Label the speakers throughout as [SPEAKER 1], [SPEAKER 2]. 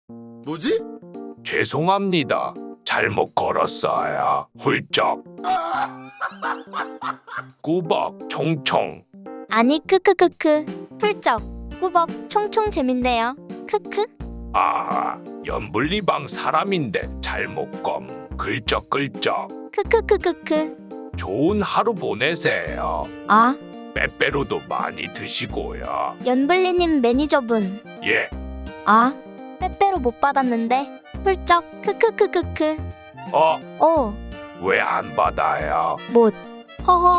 [SPEAKER 1] 뭐지?
[SPEAKER 2] 죄송합니다. 잘못 걸었어요. 훌쩍. 꾸벅 총총.
[SPEAKER 3] 아니 크크크크 훌쩍 꾸벅 총총 재밌네요. 크크.
[SPEAKER 2] 아, 연불리방 사람인데 잘못 검. 글쩍글쩍.
[SPEAKER 3] 크크크크크.
[SPEAKER 2] 좋은 하루 보내세요.
[SPEAKER 3] 아,
[SPEAKER 2] 빼빼로도 많이 드시고요.
[SPEAKER 3] 연블리님 매니저분.
[SPEAKER 2] 예.
[SPEAKER 3] 아, 빼빼로 못 받았는데. 훌쩍 크크크크크. 오,
[SPEAKER 2] 왜 안 받아요?
[SPEAKER 3] 못. 허허.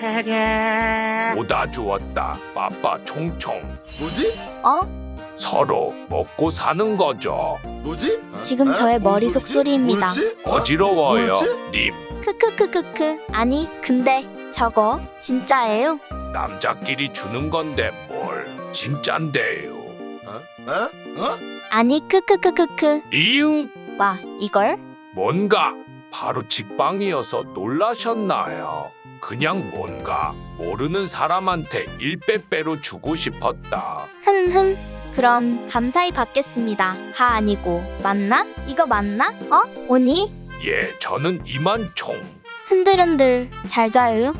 [SPEAKER 2] 오다 주었다. 빠빠 총총.
[SPEAKER 1] 뭐지?
[SPEAKER 3] 어?
[SPEAKER 2] 서로 먹고 사는 거죠.
[SPEAKER 1] 뭐지?
[SPEAKER 3] 지금 저의 머릿속 소리입니다.
[SPEAKER 2] 어지러워요,
[SPEAKER 1] 뭐였지?
[SPEAKER 2] 님.
[SPEAKER 3] 크크크크크. 아니, 근데 저거 진짜예요?
[SPEAKER 2] 남자끼리 주는 건데 뭘 진짠데요.
[SPEAKER 1] 어?
[SPEAKER 3] 아니, 크크크크크.
[SPEAKER 2] 이응?
[SPEAKER 3] 와, 이걸?
[SPEAKER 2] 뭔가 바로 직방이어서 놀라셨나요? 그냥 뭔가 모르는 사람한테 일빼빼로 주고 싶었다.
[SPEAKER 3] 흠흠. 그럼 감사히 받겠습니다. 다 아니고 맞나? 이거 맞나? 오니?
[SPEAKER 2] 예, 저는 이만총.
[SPEAKER 3] 흔들흔들 잘 자요?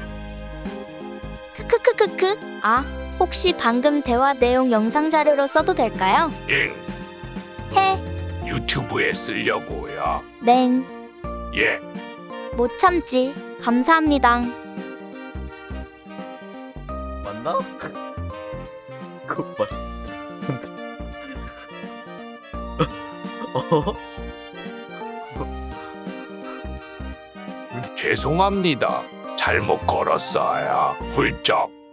[SPEAKER 3] 크크크크크. 아, 혹시 방금 대화 내용 영상 자료로 써도 될까요?
[SPEAKER 2] 잉.
[SPEAKER 3] 해.
[SPEAKER 2] 유튜브에 쓰려고요.
[SPEAKER 3] 냉.
[SPEAKER 2] 예.
[SPEAKER 3] 못 참지. 감사합니다.
[SPEAKER 4] 맞나? 그거 맞. 어?
[SPEAKER 2] 죄송합니다. 잘못 걸었어요. 훌쩍.